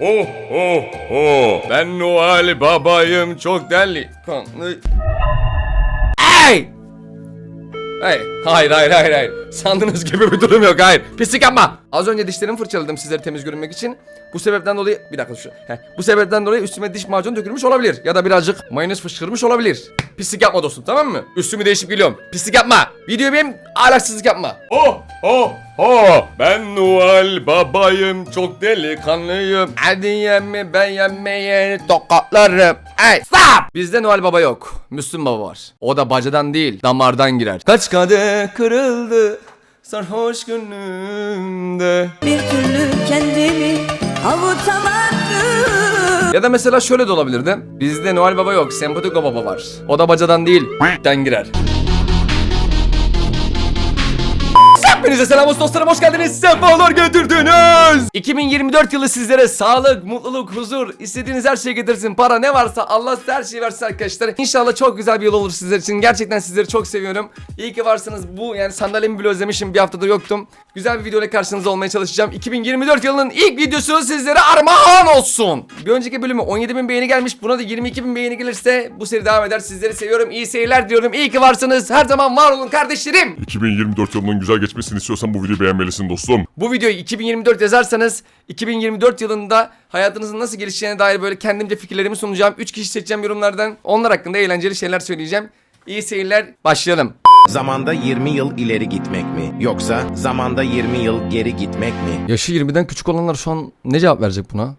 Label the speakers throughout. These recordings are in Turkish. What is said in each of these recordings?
Speaker 1: Oh oh oh. Ben Noel babayım çok deli. Hey! Hey, hayır. Sandığınız gibi bir durum yok, hayır. Pislik yapma. Az önce dişlerimi fırçaladım sizlere temiz görünmek için. Bu sebepten dolayı bir dakika şu. Bu sebepten dolayı üstüme diş macunu dökülmüş olabilir ya da birazcık mayonez fışkırmış olabilir. Pislik yapma dostum, tamam mı? Üstümü değişip geliyorum. Pislik yapma. Videoyu benim ahlaksızlık yapma. Oh. Ben Noel babayım çok delikanlıyım. Hadi yeme ben yemeye tokatlarım. Hey stop. Bizde Noel baba yok. Müslüm baba var. O da bacadan değil damardan girer. Kaç kadeh kırıldı sarhoş gönlümde.
Speaker 2: Bir türlü kendimi avutamadım.
Speaker 1: Ya da mesela şöyle de olabilirdi. Bizde Noel baba yok, sempatik baba var. O da bacadan değil den girer. Hepinize selam olsun dostlarım, hoş geldiniz, sefalar getirdiniz. 2024 yılı sizlere sağlık, mutluluk, huzur, istediğiniz her şeyi getirsin. Para ne varsa Allah size her şeyi versin arkadaşlar. İnşallah çok güzel bir yıl olur sizler için. Gerçekten sizleri çok seviyorum. İyi ki varsınız. Bu yani sandalyemi bile özlemişim, bir haftadır yoktum. Güzel bir videoyla karşınızda olmaya çalışacağım. 2024 yılının ilk videosu sizlere armağan olsun. Bir önceki bölümü 17.000 beğeni gelmiş. Buna da 22.000 beğeni gelirse bu seri devam eder. Sizleri seviyorum. İyi seyirler diyorum. İyi ki varsınız. Her zaman var olun kardeşlerim.
Speaker 3: 2024 yılının güzel geçmesini istiyorsan bu videoyu beğenmelisin dostum.
Speaker 1: Bu videoyu 2024 yazarsanız 2024 yılında hayatınızın nasıl gelişeceğine dair böyle kendimce fikirlerimi sunacağım. 3 kişi seçeceğim yorumlardan. Onlar hakkında eğlenceli şeyler söyleyeceğim. İyi seyirler. Başlayalım.
Speaker 4: Zamanda 20 yıl ileri gitmek mi? Yoksa zamanda 20 yıl geri gitmek mi?
Speaker 1: Yaşı 20'den küçük olanlar şu an ne cevap verecek buna?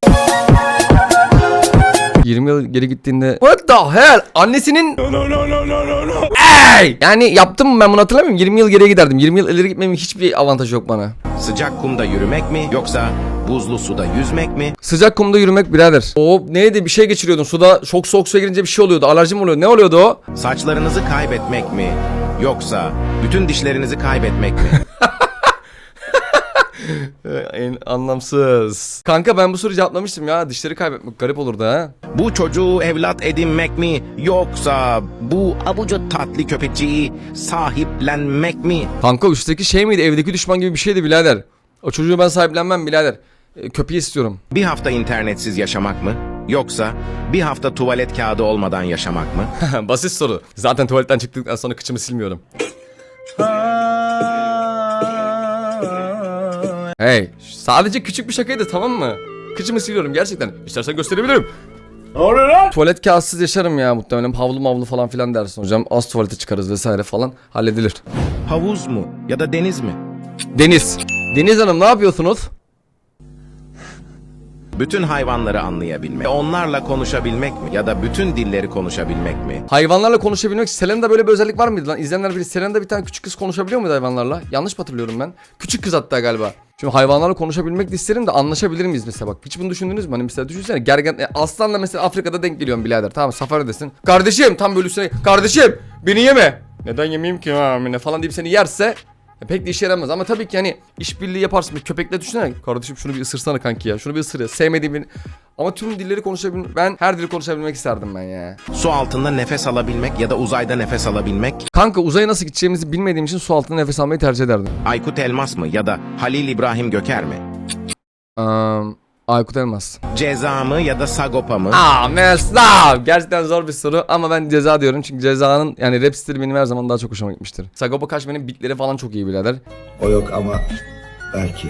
Speaker 1: 20 yıl geri gittiğinde what the hell? Annesinin no. Ey! Yani yaptım mı ben bunu hatırlamıyorum. 20 yıl geriye giderdim. 20 yıl ileri gitmemin hiçbir avantajı yok bana.
Speaker 4: Sıcak kumda yürümek mi? Yoksa buzlu suda yüzmek mi?
Speaker 1: Sıcak kumda yürümek birader. O neydi, bir şey geçiriyordun suda, çok soğuk suya girince bir şey oluyordu. Alerji mi oluyordu? Ne oluyordu o?
Speaker 4: Saçlarınızı kaybetmek mi? Yoksa bütün dişlerinizi kaybetmek mi?
Speaker 1: En anlamsız. Kanka ben bu soruyu cevaplamıştım ya. Dişleri kaybetmek garip olurdu ha.
Speaker 4: Bu çocuğu evlat edinmek mi? Yoksa bu abucu tatlı köpekçiyi sahiplenmek mi?
Speaker 1: Kanka üstteki şey miydi? Evdeki düşman gibi bir şeydi birader. O çocuğu ben sahiplenmem birader. Köpeği istiyorum.
Speaker 4: Bir hafta internetsiz yaşamak mı? Yoksa bir hafta tuvalet kağıdı olmadan yaşamak mı?
Speaker 1: Basit soru. Zaten tuvaletten çıktıktan sonra kıçımı silmiyorum. Hey, sadece küçük bir şakaydı, tamam mı? Kıçımı siliyorum gerçekten. İstersen gösterebilirim. Ne oluyor lan? Tuvalet kağıtsız yaşarım ya muhtemelen. Havlu mavlu falan filan dersin hocam. Az tuvalete çıkarız vesaire falan. Halledilir.
Speaker 4: Havuz mu? Ya da deniz mi?
Speaker 1: Deniz. Deniz Hanım ne yapıyorsunuz?
Speaker 4: Bütün hayvanları anlayabilmek, onlarla konuşabilmek mi? Ya da bütün dilleri konuşabilmek mi?
Speaker 1: Hayvanlarla konuşabilmek. Selena'da böyle bir özellik var mıydı lan? İzleyenler bilir. Selena'da bir tane küçük kız konuşabiliyor muydu hayvanlarla? Yanlış mı hatırlıyorum ben? Küçük kız hatta galiba. Şimdi hayvanlarla konuşabilmek de isterim de anlaşabilir miyiz mesela bak. Hiç bunu düşündünüz mü? Hani mesela düşünsene gergen aslanla mesela Afrika'da denk geliyorum birader. Tamam safaridesin. Kardeşim tam böyle üstüne. Kardeşim beni yeme. Neden yemeyeyim ki ne falan deyip seni yerse pek de işe yaramaz ama tabii ki hani işbirliği yaparsın. Bir köpekle düşünsene. Kardeşim şunu bir ısırsana kanki ya. Şunu bir ısır ya. Sevmediğim bir... Ama tüm dilleri konuşabilmek... Ben her dili konuşabilmek isterdim ben ya.
Speaker 4: Su altında nefes alabilmek ya da uzayda nefes alabilmek.
Speaker 1: Kanka uzaya nasıl gideceğimizi bilmediğim için su altında nefes almayı tercih ederdim.
Speaker 4: Aykut Elmas mı ya da Halil İbrahim Göker mi?
Speaker 1: Aykut Elmas.
Speaker 4: Ceza mı ya da Sagopa mı?
Speaker 1: Mesela gerçekten zor bir soru ama ben Ceza diyorum çünkü Ceza'nın yani rap stili benim her zaman daha çok hoşuma gitmiştir. Sagopa Kajmer'in beatleri falan çok iyi birader.
Speaker 5: O yok ama belki.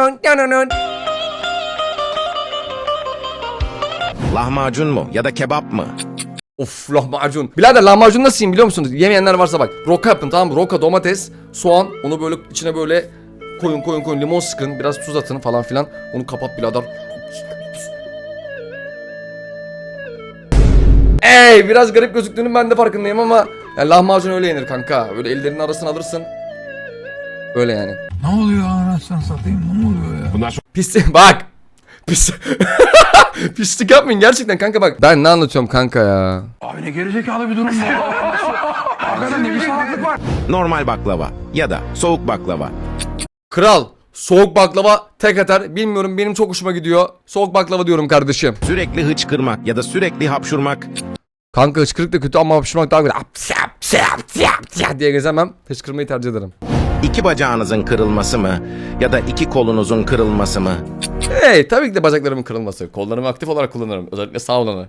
Speaker 4: Lahmacun mu ya da kebap mı?
Speaker 1: Of lahmacun. Birader lahmacun nasıl yiyeyim biliyor musunuz? Yemeyenler varsa bak. Roka yapın tamam mı? Roka, domates, soğan. Onu böyle içine böyle koyun limon sıkın. Biraz tuz atın falan filan. Onu kapat birader. Ey biraz garip gözüktüğünün ben de farkındayım ama yani lahmacun öyle yenir kanka. Böyle ellerinin arasına alırsın. Öyle yani.
Speaker 6: Ne oluyor anasını satayım, ne oluyor ya?
Speaker 4: Bunlar
Speaker 1: Pis bak. Pis. Pislik yapmayın gerçekten kanka bak. Ben ne anlatıyorum kanka ya.
Speaker 6: Abi ne gerizekalı bir durum bu. Hakikaten ne bir salaklık var.
Speaker 4: normal baklava ya da soğuk baklava.
Speaker 1: Kral soğuk baklava tek atar. Bilmiyorum benim çok hoşuma gidiyor. Soğuk baklava diyorum kardeşim.
Speaker 4: Sürekli hıçkırmak ya da sürekli hapşurmak.
Speaker 1: Kanka hıçkırık da kötü ama hapşırmak daha güzel. Diye gezemem. Hıçkırmayı tercih ederim.
Speaker 4: İki bacağınızın kırılması mı? Ya da iki kolunuzun kırılması mı?
Speaker 1: Hey, tabii ki de bacaklarımın kırılması. Kollarımı aktif olarak kullanırım. Özellikle sağ olanı.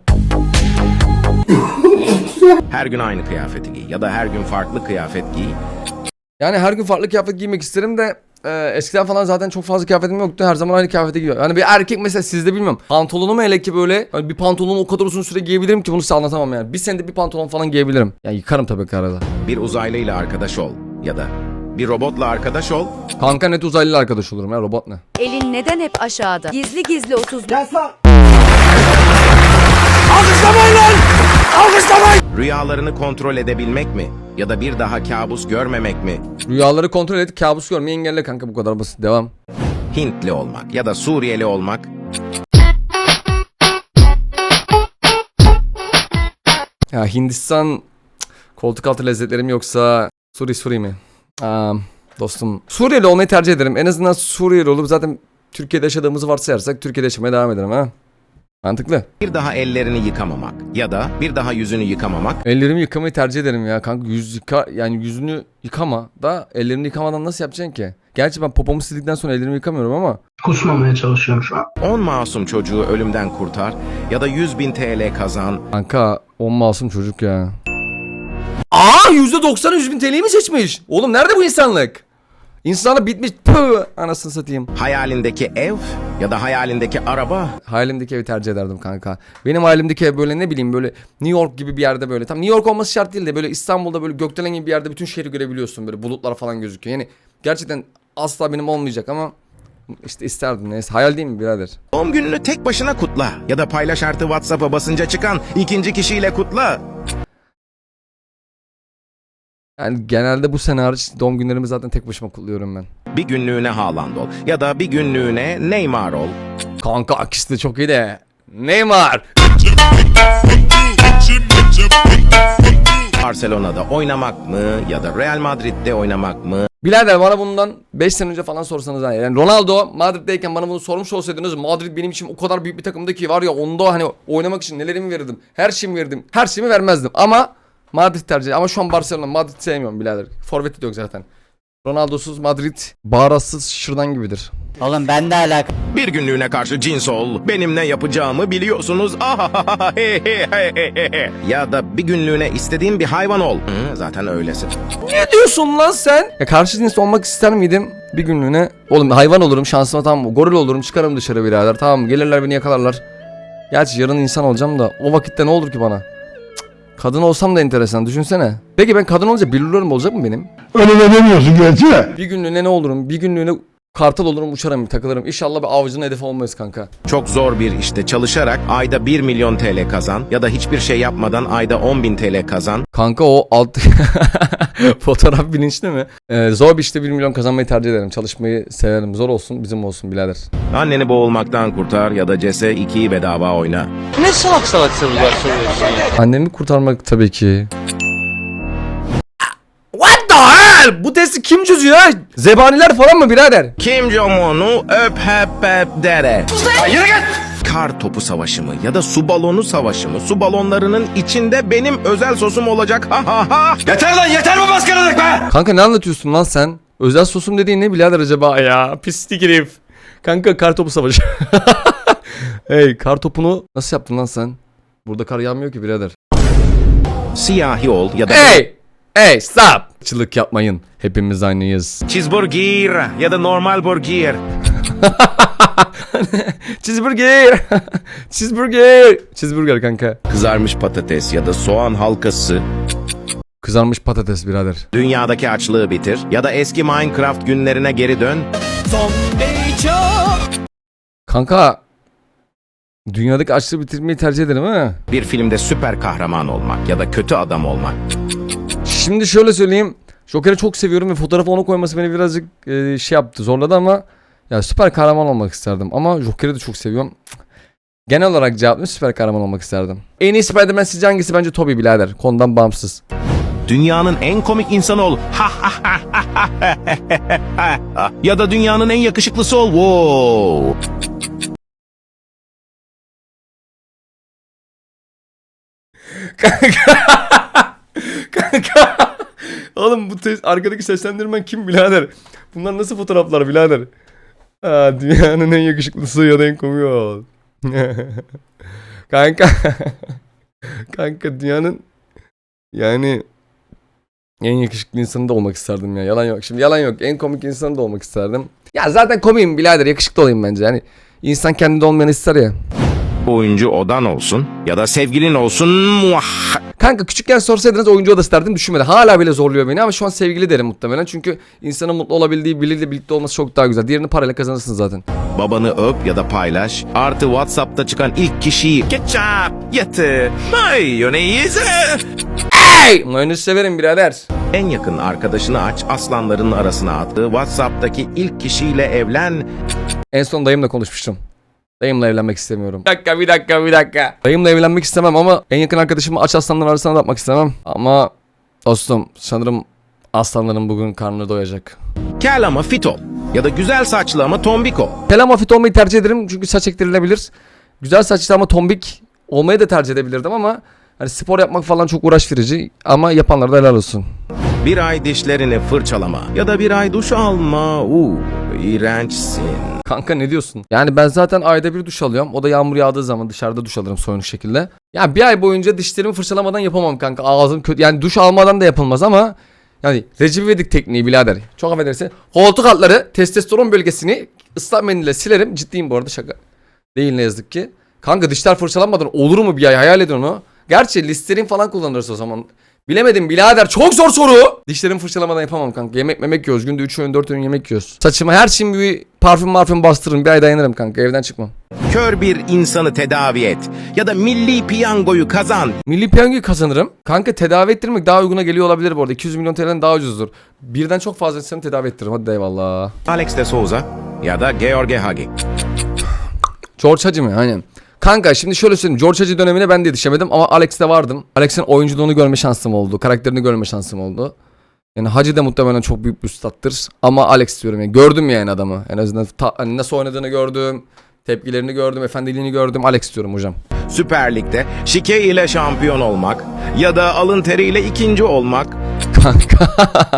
Speaker 4: Her gün aynı kıyafeti giy ya da her gün farklı kıyafet giy.
Speaker 1: Yani her gün farklı kıyafet giymek isterim de eskiden falan zaten çok fazla kıyafetim yoktu. Her zaman aynı kıyafeti giyiyor. Yani bir erkek mesela sizde bilmiyorum. Pantolonumu hele ki böyle hani bir pantolonu o kadar uzun süre giyebilirim ki bunu size anlatamam yani. Bir senede bir pantolon falan giyebilirim. Yani yıkarım tabii ki arada.
Speaker 4: Bir uzaylıyla arkadaş ol ya da bir robotla arkadaş ol.
Speaker 1: Kanka net uzaylı arkadaş olurum ya, robot ne?
Speaker 2: Elin neden hep aşağıda? Gizli gizli 30.
Speaker 4: Rüyalarını kontrol edebilmek mi? Ya da bir daha kabus görmemek mi?
Speaker 1: Rüyaları kontrol et, kabus görmeyi engelle kanka, bu kadar basit. Devam.
Speaker 4: Hintli olmak ya da Suriyeli olmak.
Speaker 1: Ya Hindistan koltuk altı lezzetlerim yoksa Suri mi? Dostum Suriyeli olmayı tercih ederim. En azından Suriyeli olup zaten Türkiye'de yaşadığımızı varsayarsak Türkiye'de yaşamaya devam ederim ha. Mantıklı.
Speaker 4: Bir daha ellerini yıkamamak ya da bir daha yüzünü yıkamamak.
Speaker 1: Ellerimi yıkamayı tercih ederim ya kanka. Yani yüzünü yıkama da ellerini yıkamadan nasıl yapacaksın ki? Gerçi ben popomu sildikten sonra ellerimi yıkamıyorum ama.
Speaker 6: Kusmamaya çalışıyorum şu an.
Speaker 4: 10 masum çocuğu ölümden kurtar ya da 100.000 TL kazan.
Speaker 1: Kanka 10 masum çocuk ya. Aa %90 100.000 TL'yi mi seçmiş? Oğlum nerede bu insanlık? İnsanlık bitmiş. Püh, anasını satayım.
Speaker 4: Hayalindeki ev ya da hayalindeki araba.
Speaker 1: Hayalimdeki evi tercih ederdim kanka. Benim hayalimdeki ev böyle ne bileyim böyle New York gibi bir yerde böyle. Tam New York olması şart değil de böyle İstanbul'da böyle gökdelen gibi bir yerde bütün şehri görebiliyorsun. Böyle bulutlar falan gözüküyor. Yani gerçekten asla benim olmayacak ama işte isterdim, neyse. Hayal değil mi birader?
Speaker 4: Doğum gününü tek başına kutla ya da paylaş artı WhatsApp'a basınca çıkan ikinci kişiyle kutla.
Speaker 1: Yani genelde bu sene hariç doğum günlerimi zaten tek başıma kutluyorum ben.
Speaker 4: Bir günlüğüne Haaland ol ya da bir günlüğüne Neymar ol.
Speaker 1: Kanka akisi de çok iyi de. Neymar.
Speaker 4: Barcelona'da oynamak mı ya da Real Madrid'de oynamak mı?
Speaker 1: Birader bana bundan 5 sene önce falan sorsanız yani Ronaldo Madrid'deyken bana bunu sormuş olsaydınız, Madrid benim için o kadar büyük bir takımdı ki var ya, onda hani oynamak için nelerimi verirdim. Her şeyimi verirdim. Her şeyimi vermezdim ama Madrid tercih. Ama şu an Barcelona, Madrid sevmiyorum birader. Forvet'i de yok zaten. Ronaldo'suz Madrid bağıratsız şırdan gibidir.
Speaker 7: Oğlum ben de alaka.
Speaker 4: Bir günlüğüne karşı cins ol. Benim ne yapacağımı biliyorsunuz. Ya da bir günlüğüne istediğin bir hayvan ol. Zaten öylesin.
Speaker 1: Ne diyorsun lan sen? Ya karşı cins olmak ister miydim bir günlüğüne? Oğlum hayvan olurum şansıma, tamam mı? Goril olurum, çıkarım dışarı birader, tamam mı? Gelirler beni yakalarlar. Gerçi yarın insan olacağım da o vakitte ne olur ki bana? Kadın olsam da enteresan, düşünsene. Peki ben kadın olunca billurlarım olacak mı benim?
Speaker 6: Öyle de demiyorsun gerçi.
Speaker 1: Bir günlüğüne ne olurum? Bir günlüğüne kartal olurum, uçarım, takılırım. İnşallah bir avcının hedefi olmayız kanka.
Speaker 4: Çok zor bir işte çalışarak ayda 1 milyon TL kazan ya da hiçbir şey yapmadan ayda 10.000 TL kazan.
Speaker 1: Kanka o alt fotoğraf bilinçli mi? Zor bir işte 1 milyon kazanmayı tercih ederim. Çalışmayı severim. Zor olsun, bizim olsun birader.
Speaker 4: Anneni boğulmaktan kurtar ya da CS2'yi bedava oyna.
Speaker 7: Ne salak salak sorular soruyorsun ya.
Speaker 1: Annemi kurtarmak tabii ki. What the hell? Bu testi kim çözüyor? Zebaniler falan mı birader?
Speaker 4: Kim Jong-un'u öp hep dere. Yürü git! Kar topu savaşı mı ya da su balonu savaşı mı? Su balonlarının içinde benim özel sosum olacak. Ha ha ha!
Speaker 6: Yeter lan, yeter bu baskınlık be!
Speaker 1: Kanka ne anlatıyorsun lan sen? Özel sosum dediğin ne birader acaba ya? Pislik herif. Kanka kar topu savaşı. Hey, kar topunu nasıl yaptın lan sen? Burada kar yağmıyor ki birader.
Speaker 4: Siyahi ol ya da
Speaker 1: Hey stop. Çılık yapmayın. Hepimiz aynıyız.
Speaker 4: cheeseburger ya da normal burger.
Speaker 1: Cheeseburger. Cheeseburger. Cheeseburger kanka.
Speaker 4: Kızarmış patates ya da soğan halkası.
Speaker 1: Kızarmış patates birader.
Speaker 4: Dünyadaki açlığı bitir ya da eski Minecraft günlerine geri dön.
Speaker 1: Kanka dünyadaki açlığı bitirmeyi tercih ederim ha.
Speaker 4: Bir filmde süper kahraman olmak ya da kötü adam olmak.
Speaker 1: Şimdi şöyle söyleyeyim. Joker'i çok seviyorum ve fotoğrafı ona koyması beni birazcık şey yaptı, zorladı ama ya süper kahraman olmak isterdim. Ama Joker'i de çok seviyorum. Genel olarak cevabım süper kahraman olmak isterdim. En iyi Spider-Man sizce hangisi? Bence Tobey birader. Konudan bağımsız.
Speaker 4: Dünyanın en komik insanı ol. Ya da dünyanın en yakışıklısı ol. Wow.
Speaker 1: Kanka Oğlum bu arkadaki seslendirmen kim birader? Bunlar nasıl fotoğraflar birader? Aa, dünyanın en yakışıklısı ya da en komiği ol. Kanka. Kanka dünyanın yani en yakışıklı insanı da olmak isterdim ya. Yalan yok. Şimdi yalan yok. En komik insanı da olmak isterdim. Ya zaten komiyim birader. Yakışıklı olayım bence. Yani insan kendinde olmayanı ister ya.
Speaker 4: Oyuncu odan olsun ya da sevgilin olsun. Muah.
Speaker 1: Kanka küçükken sorsaydınız oyuncu odası derdim, düşünmedi. Hala bile zorluyor beni ama şu an sevgili derim muhtemelen. Çünkü insanın mutlu olabildiği biriyle birlikte olması çok daha güzel. Diğerini parayla kazanırsın zaten.
Speaker 4: Babanı öp ya da paylaş. Artı WhatsApp'ta çıkan ilk kişiyi ketçap, yatı, mayonez.
Speaker 1: Hey! Mayonez severim birader.
Speaker 4: En yakın arkadaşını aç, aslanların arasına attı. WhatsApp'taki ilk kişiyle evlen.
Speaker 1: En son dayımla konuşmuştum. Dayımla evlenmek istemiyorum. Bir dakika. Dayımla evlenmek istemem ama en yakın arkadaşımı aç aslanların arasına da atmak istemem. Ama dostum sanırım aslanların bugün karnı doyacak.
Speaker 4: Kel ama fit ol. Ya da güzel saçlı ama tombik ol.
Speaker 1: Kel ama fit olmayı tercih ederim çünkü saç ektirilebilir. Güzel saçlı ama tombik olmayı da tercih edebilirdim ama hani spor yapmak falan çok uğraş verici ama yapanlara da helal olsun.
Speaker 4: Bir ay dişlerini fırçalama ya da bir ay duş alma. İğrençsin.
Speaker 1: Kanka ne diyorsun? Yani ben zaten ayda bir duş alıyorum. O da yağmur yağdığı zaman dışarıda duş alırım soyunuk şekilde. Ya bir ay boyunca dişlerimi fırçalamadan yapamam kanka. Ağzım kötü. Yani duş almadan da yapılmaz ama yani Recep İvedik tekniği birader. Çok affedersin. Koltuk altları testosteron bölgesini ıslak mendille silerim. Ciddiyim bu arada, şaka değil ne yazık ki. Kanka dişler fırçalanmadan olur mu bir ay, hayal edin onu. Gerçi Listerin falan kullanırız o zaman. Bilemedim birader, çok zor soru. Dişlerimi fırçalamadan yapamam kanka. Yemek memek yiyoruz. Günde 3 öğün 4 öğün yemek yiyoruz. Saçıma her şeyin bir parfüm bastırırım. Bir ay dayanırım kanka, evden çıkmam.
Speaker 4: Kör bir insanı tedavi et ya da milli piyangoyu kazan.
Speaker 1: Milli piyangoyu kazanırım. Kanka tedavi ettirmek daha uyguna geliyor olabilir bu arada. 200 milyon TL'den daha ucuzdur. Birden çok fazla insanı tedavi ettiririm. Hadi eyvallah.
Speaker 4: Alex de Souza ya da George Hagi.
Speaker 1: George Hagi mi? Aynen. Kanka şimdi şöyle söyleyeyim. George Hagi dönemine ben de yetişemedim ama Alex'te vardım. Alex'in oyunculuğunu görme şansım oldu. Karakterini görme şansım oldu. Yani Hagi de muhtemelen çok büyük bir üstattır. Ama Alex diyorum yani. Gördüm yani adamı. En azından hani nasıl oynadığını gördüm. Tepkilerini gördüm. Efendiliğini gördüm. Alex diyorum hocam.
Speaker 4: Süper Lig'de şike ile şampiyon olmak ya da alın teriyle ikinci olmak.
Speaker 1: Kanka.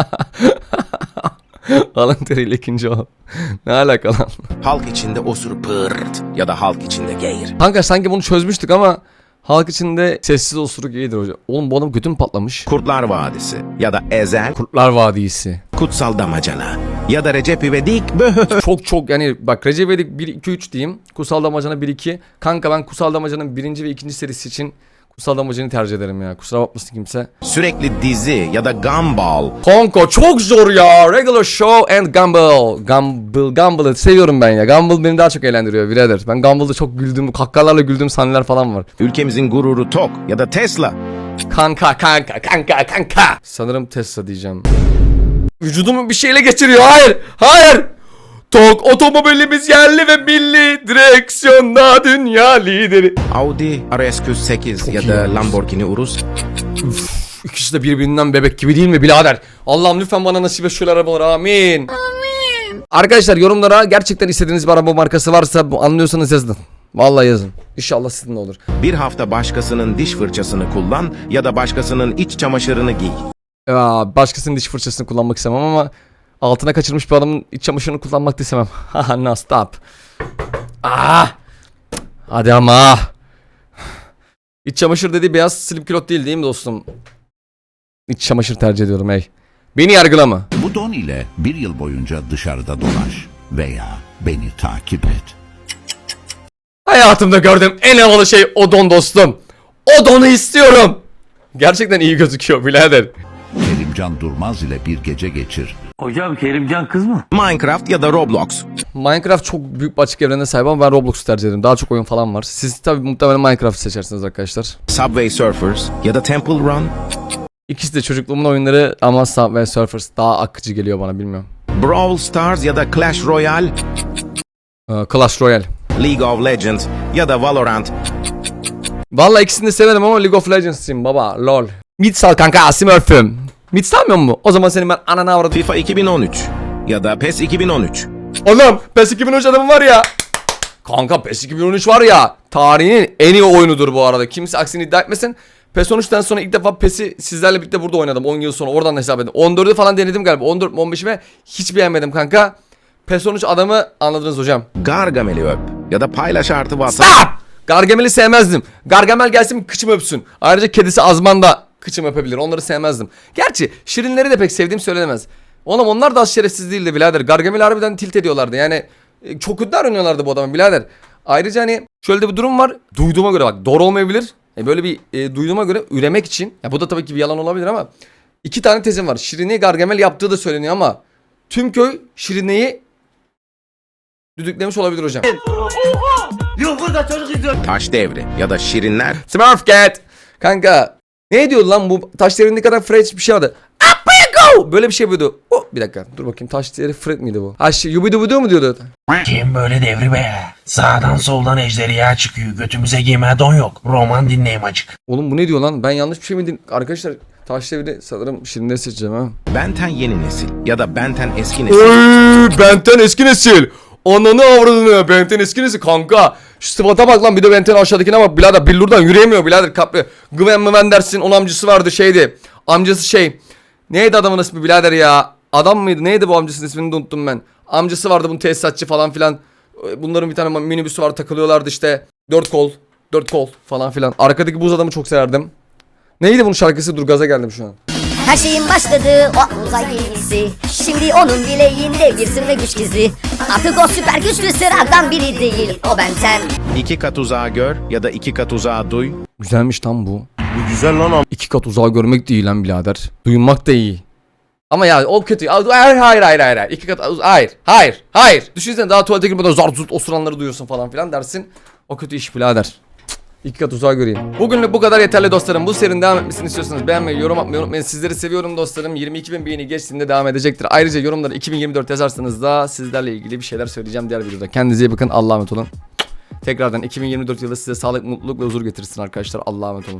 Speaker 1: Alın teriyle ikinci ol. Ne alaka lan?
Speaker 4: Halk içinde osur pırt ya da halk içinde geğir.
Speaker 1: Kanka sanki bunu çözmüştük ama halk içinde sessiz osuruk iyidir hocam. Oğlum bu adam götü mü patlamış?
Speaker 4: Kurtlar Vadisi ya da Ezel.
Speaker 1: Kurtlar Vadisi.
Speaker 4: Kutsal Damacana ya da Recep İvedik.
Speaker 1: Çok yani bak Recep İvedik 1 2 3 diyeyim. Kutsal Damacana 1 2. Kanka ben Kutsal Damacana'nın 1. ve 2. serisi için Kutsal Damacana'yı tercih ederim ya. Kusura bakmasın kimse.
Speaker 4: Sürekli dizi ya da Gumball.
Speaker 1: Kanka çok zor ya. Regular Show and Gumball'ı seviyorum ben ya. Gumball beni daha çok eğlendiriyor birader. Ben Gumball'da çok güldüğüm, kahkahalarla güldüğüm sahneler falan var.
Speaker 4: Ülkemizin gururu Tok ya da Tesla.
Speaker 1: Kanka. Sanırım Tesla diyeceğim. Vücudumu bir şeyle geçiriyor. Hayır. Tok otomobilimiz yerli ve milli, direksiyonda dünya lideri.
Speaker 4: Audi RS8 ya da Lamborghini Urus.
Speaker 1: İkisi de birbirinden bebek gibi değil mi birader? Allah'ım lütfen bana nasip et şöyle arabalar, amin. Arkadaşlar yorumlara gerçekten istediğiniz bir araba markası varsa anlıyorsanız yazın. Vallahi yazın. İnşallah sizin de olur.
Speaker 4: Bir hafta başkasının diş fırçasını kullan ya da başkasının iç çamaşırını giy.
Speaker 1: Başkasının diş fırçasını kullanmak istemem ama altına kaçırmış bir adamın iç çamaşırını kullanmak da istemem. Haha no stop. Hadi ama. İç çamaşır dediği beyaz slip kilot değil mi dostum? İç çamaşır tercih ediyorum hey. Beni yargılama.
Speaker 8: Bu don ile bir yıl boyunca dışarıda dolaş veya beni takip et.
Speaker 1: Hayatımda gördüğüm en havalı şey o don dostum. O donu istiyorum. Gerçekten iyi gözüküyor birader.
Speaker 8: Kerimcan Durmaz ile bir gece geçir.
Speaker 6: Hocam Kerimcan kız mı?
Speaker 4: Minecraft ya da Roblox.
Speaker 1: Minecraft çok büyük bir açık evrene sahip ama ben Roblox'u tercih ederim. Daha çok oyun falan var. Siz tabii muhtemelen Minecraft'ı seçersiniz arkadaşlar.
Speaker 4: Subway Surfers ya da Temple Run.
Speaker 1: İkisi de çocukluğumun oyunları ama Subway Surfers daha akıcı geliyor bana, bilmiyorum.
Speaker 4: Brawl Stars ya da Clash Royale.
Speaker 1: Clash Royale.
Speaker 4: League of Legends ya da Valorant.
Speaker 1: Vallahi ikisini de severim ama League of Legends'im baba, lol. Mid sal kanka, Smurf'üm. Mid salmıyor mu? O zaman senin ben anana avradım.
Speaker 4: FIFA 2013 ya da PES 2013.
Speaker 1: Oğlum PES 2013 adamı var ya. Kanka PES 2013 var ya. Tarihin en iyi oyunudur bu arada. Kimse aksini iddia etmesin. PES 13'ten sonra ilk defa PES'i sizlerle birlikte burada oynadım 10 yıl sonra oradan hesap edin. 14'ü falan denedim galiba 14 15'ime hiç beğenmedim kanka. PES 13 adamı anladınız hocam.
Speaker 4: Gargamel'i öp ya da paylaş artı WhatsApp.
Speaker 1: Stop! Gargamel'i sevmezdim. Gargamel gelsin kıçımı öpsün. Ayrıca kedisi Azman da kıçımı öpebilir. Onları sevmezdim. Gerçi Şirinleri de pek sevdiğim söylenemez. Oğlum onlar da az şerefsiz değildi birader. Gargamel'i harbiden tilt ediyorlardı. Yani çok kötü davranıyorlardı bu adamı birader. Ayrıca hani şöyle de bir durum var. Duyduğuma göre bak doğru olmayabilir. Böyle bir duyduğuma göre üremek için. Ya bu da tabii ki bir yalan olabilir ama. 2 tane tezim var. Şirine'yi Gargamel yaptığı da söyleniyor ama. Tüm köy Şirine'yi düdüklemiş olabilir hocam.
Speaker 4: Taş devri ya da şirinler.
Speaker 1: Smurf Cat. Kanka ne diyordu lan bu taş devrindeki kadar Fred bir şey vardı. Up we go. Böyle bir şey yapıyordu. Oh, bir dakika dur bakayım taş devri Fred miydi bu? Ha yubidubidu mu diyordu?
Speaker 6: Kim böyle devri be? Sağdan soldan ejderha çıkıyor. Götümüze giyme don yok. Roman dinleyim acık.
Speaker 1: Oğlum bu ne diyor lan? Ben yanlış bir şey mi dinledim? Arkadaşlar taş devri sanırım Şirinleri seçeceğim ha.
Speaker 4: Benten yeni nesil ya da Benten eski nesil.
Speaker 1: Oy, Benten eski nesil. Ananı avradını Benten eski nesil kanka. Şu sıfata bak lan bir de Benten aşağıdakine bak birader billurdan yürüyemiyor birader kapri. Gwen Mıven dersin onun amcası vardı şeydi. Amcası şey. Neydi adamın ismi birader ya? Adam mıydı? Neydi bu amcasının ismini de unuttum ben. Amcası vardı bunun tesisatçı falan filan. Bunların bir tane minibüsü var takılıyorlardı işte. 4 kol falan filan. Arkadaki buz adamı çok severdim. Neydi bunun şarkısı? Dur gaza geldim şu an.
Speaker 9: Her şeyin başladığı o uzay gemisi. Şimdi onun bileğinde bir sır ve güç gizli. Artık o süper güçlü sıradan biri değil. O Benten.
Speaker 4: 2 kat uzağa gör ya da 2 kat uzağa duy.
Speaker 1: Güzelmiş tam bu. Bu güzel lan. 2 kat uzağa görmek de iyi lan birader. Duymak da iyi. Ama ya o kötü. Hayır. 2 kat hayır. Düşünsene daha tuvalete girmeden zart zurt osuranları duyuyorsun falan filan dersin. O kötü iş birader. 2 kat uzağa göreyim. Bugünlük bu kadar yeterli dostlarım. Bu serinin devam etmesini istiyorsanız beğenmeyi, yorum atmayı unutmayın. Sizleri seviyorum dostlarım. 22.000 beğeni geçtiğinde devam edecektir. Ayrıca yorumlara 2024 yazarsanız da sizlerle ilgili bir şeyler söyleyeceğim diğer videoda. Kendinize iyi bakın. Allah'a emanet olun. Tekrardan 2024 yılı size sağlık, mutluluk ve huzur getirsin arkadaşlar. Allah'a emanet olun.